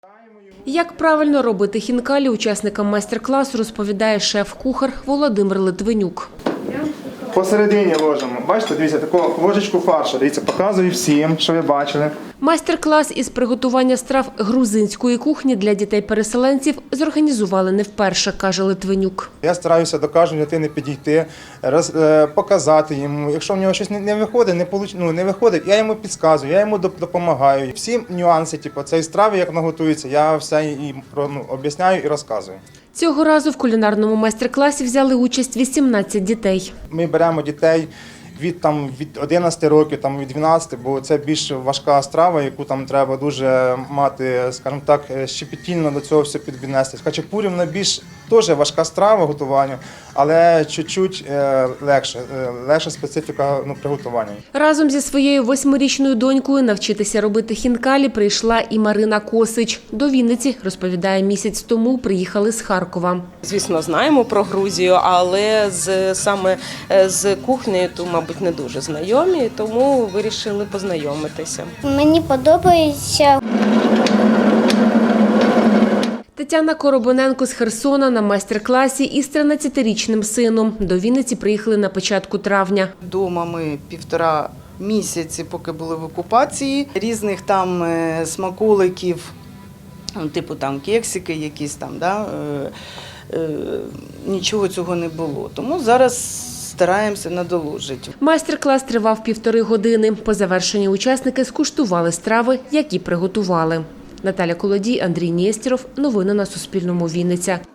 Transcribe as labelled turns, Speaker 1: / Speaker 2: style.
Speaker 1: Як правильно робити хінкалі, учасникам майстер-класу розповідає шеф-кухар Володимир Литвинюк.
Speaker 2: Посередині ложимо. Бачите, дивіться, таку ложечку фаршу. Дивіться, показую всім, що ви бачили.
Speaker 1: Майстер-клас із приготування страв грузинської кухні для дітей-переселенців зорганізували не вперше, каже Литвинюк.
Speaker 2: Я стараюся до кожної дитини підійти, показати йому. Якщо в нього щось не виходить, я йому підказую, я йому допомагаю. Всі нюанси цієї страви, як вона готується, я все їм об'ясняю і розказую.
Speaker 1: Цього разу в кулінарному майстер-класі взяли участь 18 дітей.
Speaker 2: Ми беремо дітей від 11 років, від 12, бо це більш важка страва, яку треба дуже мати, скажімо так, щепетільно до цього все піднести. Хачапурі, вона більш теж важка страва готування, але чуть-чуть легша специфіка приготування.
Speaker 1: Разом зі своєю 8-річною донькою навчитися робити хінкалі прийшла і Марина Косич. До Вінниці, розповідає, місяць тому приїхали з Харкова.
Speaker 3: Звісно, знаємо про Грузію, але саме з кухнею, то, мабуть, не дуже знайомі, тому вирішили познайомитися.
Speaker 4: Мені подобається.
Speaker 1: Тетяна Коробоненко з Херсона на майстер-класі із 13-річним сином. До Вінниці приїхали на початку травня.
Speaker 5: Дома ми 1,5 місяці, поки були в окупації. Різних там смаколиків, типу кексики якісь нічого цього не було. Тому зараз стараємося надолужити.
Speaker 1: Майстер-клас тривав 1,5 години. По завершенні учасники скуштували страви, які приготували. Наталя Колодій, Андрій Нєстєров. Новини на Суспільному. Вінниця.